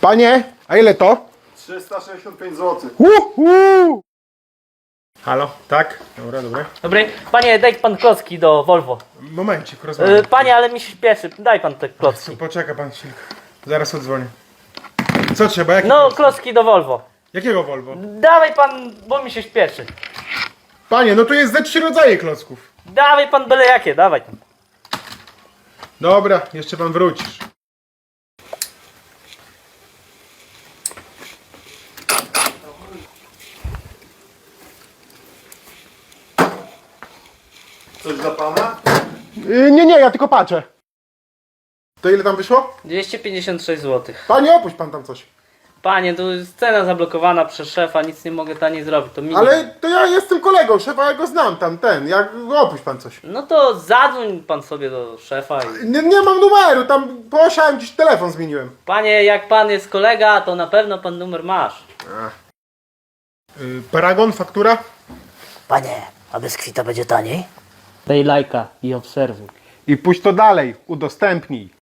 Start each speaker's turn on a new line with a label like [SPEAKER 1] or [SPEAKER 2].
[SPEAKER 1] Panie, a ile to?
[SPEAKER 2] 365 zł.
[SPEAKER 1] Halo, tak? Dobra, dobra.
[SPEAKER 3] Dobry, panie, daj pan klocki do Volvo.
[SPEAKER 1] Momencik, rozmawiam.
[SPEAKER 3] Panie, ale mi się śpieszy, daj pan te klocki.
[SPEAKER 1] Poczeka pan chwilkę. Zaraz odzwonię. Co trzeba? Jakie
[SPEAKER 3] No,
[SPEAKER 1] klocki?
[SPEAKER 3] klocki do Volvo.
[SPEAKER 1] Jakiego Volvo?
[SPEAKER 3] Dawaj pan, bo mi się śpieszy.
[SPEAKER 1] Panie, no to jest ze 3 rodzaje klocków.
[SPEAKER 3] Dawaj pan byle jakie, dawaj tam.
[SPEAKER 1] Dobra, jeszcze pan wrócisz.
[SPEAKER 2] Coś dla pana?
[SPEAKER 1] Nie, ja tylko patrzę. To ile tam wyszło?
[SPEAKER 3] 256 zł.
[SPEAKER 1] Panie, opuść pan tam coś.
[SPEAKER 3] Panie, tu jest cena zablokowana przez szefa, nic nie mogę taniej zrobić, to minimum.
[SPEAKER 1] Ale to ja jestem kolegą szefa, ja go znam tam, opuść pan coś.
[SPEAKER 3] No to zadzwoń pan sobie do szefa i...
[SPEAKER 1] Nie mam numeru, tam posiałem dziś telefon zmieniłem.
[SPEAKER 3] Panie, jak pan jest kolega, to na pewno pan numer masz.
[SPEAKER 1] Paragon, faktura?
[SPEAKER 4] Panie, a bez kwita będzie taniej?
[SPEAKER 3] Daj lajka i obserwuj.
[SPEAKER 1] I puść to dalej, udostępnij.